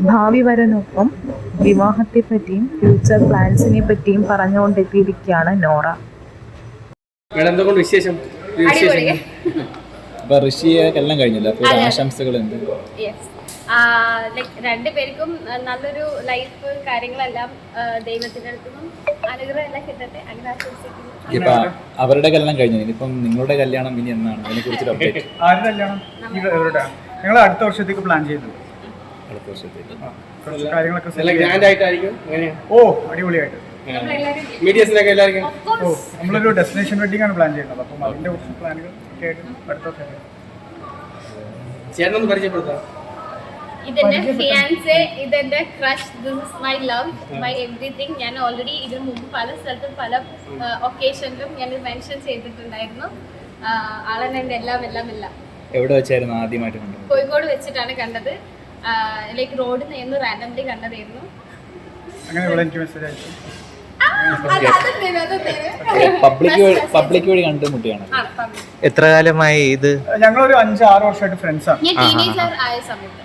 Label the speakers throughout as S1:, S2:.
S1: ഭാവി വരനൊപ്പം വിവാഹത്തെ പറ്റിയും ഫ്യൂച്ചർ പ്ലാൻസിനെ പറ്റിയും പറഞ്ഞുകൊണ്ടെത്തിയിരിക്കുകയാണ് നോറ.
S2: വിശേഷം?
S3: അപ്പൊ ഋഷിയെ എല്ലാം കഴിഞ്ഞില്ല, അപ്പോൾ ആശംസകൾ എന്ത്?
S4: രണ്ടുപേർക്കും നല്ലൊരു ലൈഫ് കാര്യങ്ങളെല്ലാം ദൈവത്തിന്റെ അടുത്തുനിന്നും അനുഗ്രഹം എല്ലാം കിട്ടട്ടെ, അങ്ങനെ ആശംസിക്കുന്നു.
S3: ഇപ്പൊ അവരുടെ കല്യാണം കഴിഞ്ഞു, ഇനിയിപ്പം നിങ്ങളുടെ കല്യാണം ഇനി എന്നാണ്, അതിനെ കുറിച്ചൊരു അപ്ഡേറ്റ്?
S5: ആരുടെ കല്യാണം? ഞങ്ങൾ അടുത്ത വർഷത്തേക്ക് പ്ലാൻ ചെയ്യുന്നുണ്ട്.
S3: അടുത്ത വർഷത്തേക്ക്
S5: കാര്യങ്ങളൊക്കെ ഓ അടിപൊളിയായിട്ട്. ഓ നമ്മളൊരു ഡെസ്റ്റിനേഷൻ വെഡിങ് ആണ് പ്ലാൻ ചെയ്യുന്നത്. അപ്പം അതിന്റെ കുറച്ച് പ്ലാനുകൾ ഒക്കെ ആയിട്ട് അടുത്ത വർഷം.
S2: ചേട്ടനൊന്ന് പരിചയപ്പെടുത്താം.
S4: ഇതെന്റെ ഫിയാൻസെ, ഇതെന്റെ crush, this is my love, my everything. ഞാൻ ഓൾറെഡി ഇതിനു മുമ്പ് പല സ്ഥലത്തും പല ഒക്കേഷനിലും ഞാൻ മെൻഷൻ ചെയ്തിട്ടുണ്ടായിരുന്നു. ആളെന്നെ എൻ്റെ എല്ലാം.
S3: എവിടെ വെച്ചായിരുന്നു ആദ്യമായിട്ട് കണ്ടത്?
S4: കോഴിക്കോട് വെച്ചിട്ടാണ് കണ്ടത്. ലൈക്ക് റോഡിൽ നിന്ന് റാൻഡംലി കണ്ടതായിരുന്നു.
S5: അങ്ങനെ എനിക്ക് മെസ്സേജ് അയച്ചു.
S3: പബ്ലിക് വഴി കണ്ടുമുട്ടിയാണ്.
S6: എത്ര കാലമായി ഇത്?
S5: ഞങ്ങളൊരു 5-6 വർഷമായിട്ട് ഫ്രണ്ട്സ് ആണ്.
S4: ഞാൻ ടീനേജർ ആയ സമയത്ത്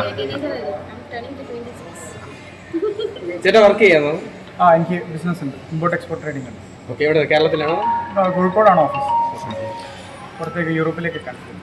S2: ചേട്ടാ വർക്ക് ചെയ്യാമോ?
S5: എനിക്ക് ബിസിനസ് ഉണ്ട്, ഇമ്പോർട്ട് എക്സ്പോർട്ട് ട്രേഡിംഗ് ഉണ്ട്.
S2: ഓക്കെ, എവിടെ? കേരളത്തിലാണോ?
S5: കോഴിക്കോടാണ് ഓഫീസ്. പുറത്തേക്ക് യൂറോപ്പിലേക്ക്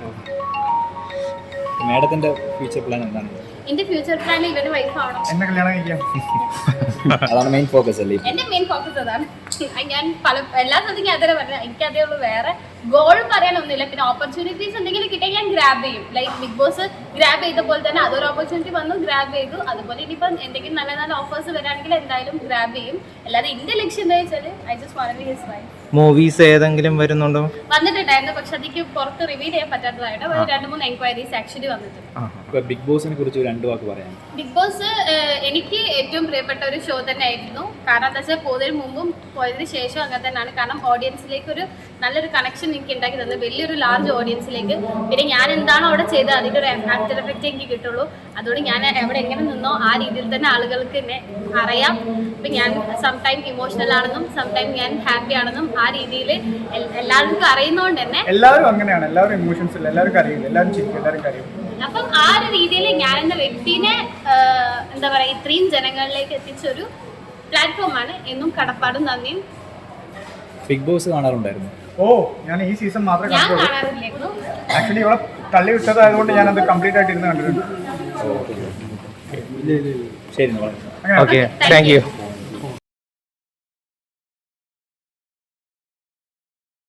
S3: മാഡത്തിന്റെ ഫ്യൂച്ചർ പ്ലാൻ എന്താണ്?
S4: എന്റെ ഫ്യൂച്ചർ പ്ലാൻ ഇവന്റെ വൈഫ് ആവണം.
S5: എന്നെ കല്യാണം കഴിക്കാം.
S3: അതാണ് മെയിൻ ഫോക്കസ് അല്ലേ?
S4: എന്റെ മെയിൻ ഫോക്കസ് അതാണ്. ഞാൻ എല്ലാ സ്ഥലത്തും അതേ പറഞ്ഞത്, എനിക്ക് അതേ ഉള്ളൂ, വേറെ ഗോൾ പറയാനൊന്നുമില്ല. പിന്നെ ഓപ്പർച്യൂണിറ്റീസ് എന്തെങ്കിലും കിട്ടിയാൽ ഞാൻ ഗ്രാബ് ചെയ്യും. ലൈക്ക് ബിഗ് ബോസ് ഗ്രാബ് ചെയ്ത പോലെ തന്നെ അതൊരു ഓപ്പർച്യൂണിറ്റി വന്നു, ഗ്രാബ് ചെയ്തു. അതുപോലെ ഇനിയിപ്പം എന്തെങ്കിലും നല്ല നല്ല ഓഫേഴ്സ് വരാണെങ്കിൽ എന്തായാലും ഗ്രാബ് ചെയ്യും. അല്ലാതെ എന്റെ ലക്ഷ്യം എന്താ വെച്ചാൽ I just want to be his wife.
S6: Movies ഏതെങ്കിലും വരുന്നുണ്ടോ?
S4: വന്നിട്ടുണ്ടായിരുന്നു, പക്ഷെ അതിക്ക് പുറത്ത് റിവീൽ ചെയ്യാൻ പറ്റാത്തതായിട്ട് 2-3 എൻക്വയറീസ് ആക്ച്വലി വന്നിട്ടുണ്ട്.
S3: ബിഗ് ബോസിനെ കുറിച്ച് 2 വാക്ക് പറയാം.
S4: ബിഗ് ബോസ് എനിക്ക് ഏറ്റവും പ്രിയപ്പെട്ട ഒരു ഷോ തന്നെ ആയിരുന്നു. കാരണം എന്താ വെച്ചാൽ പോയതിന് മുമ്പും പോയതിന് ശേഷം അങ്ങനെ തന്നെയാണ്. കാരണം ഓഡിയൻസിലേക്ക് ഒരു നല്ലൊരു കണക്ഷൻ എനിക്ക് ഉണ്ടാക്കി തന്നത്, വലിയൊരു ലാർജ് ഓഡിയൻസിലേക്ക്. പിന്നെ ഞാൻ എന്താണോ അവിടെ ചെയ്തത് അതിൻ്റെ ഒരു ആഫ്റ്റർ എഫക്റ്റ് എനിക്ക് കിട്ടുള്ളൂ. അതുകൊണ്ട് ഞാൻ എവിടെ എങ്ങനെ നിന്നോ ആ രീതിയിൽ തന്നെ ആളുകൾക്ക് എന്നെ അറിയാം. ഇപ്പം ഞാൻ സംടൈം ഇമോഷണൽ ആണെന്നും സംടൈം ഞാൻ ഹാപ്പി ആണെന്നും ആ രീതിയിൽ എല്ലാവർക്കും അറിയുന്നതുകൊണ്ട് തന്നെ
S5: എല്ലാവരും അങ്ങനെയാണ്. എല്ലാവരും ഇമോഷൻസ് ഇല്ല, എല്ലാവർക്കും അറിയില്ല, എല്ലാവരും ചിരിക്കും, എല്ലാവർക്കും അറിയും.
S4: അപ്പം ആ ഒരു രീതിയിൽ ഞാൻ എന്ന വ്യക്തിനെ എന്താ പറയുക ഇത്രയും ജനങ്ങളിലേക്ക് എത്തിച്ചൊരു പ്ലാറ്റ്ഫോമാണ്. എന്നും കടപ്പാടും നന്ദിയും.
S3: Big boss കാണാറുണ്ടായിരുന്നു?
S5: ഓ ഞാൻ ഈ സീസൺ മാത്രമേ
S4: ഞാൻ
S5: കണ്ടുള്ളൂ.
S4: കാണാറില്ലായിരുന്നു.
S5: ആക്ച്വലി ഇവിടെ തള്ളി വിട്ടതായതുകൊണ്ട് ഞാനത് കംപ്ലീറ്റ് ആയിട്ട് ഇരുന്ന് കണ്ടിട്ടുണ്ട്.
S3: ശരി,
S6: ഓക്കെ, താങ്ക് യു.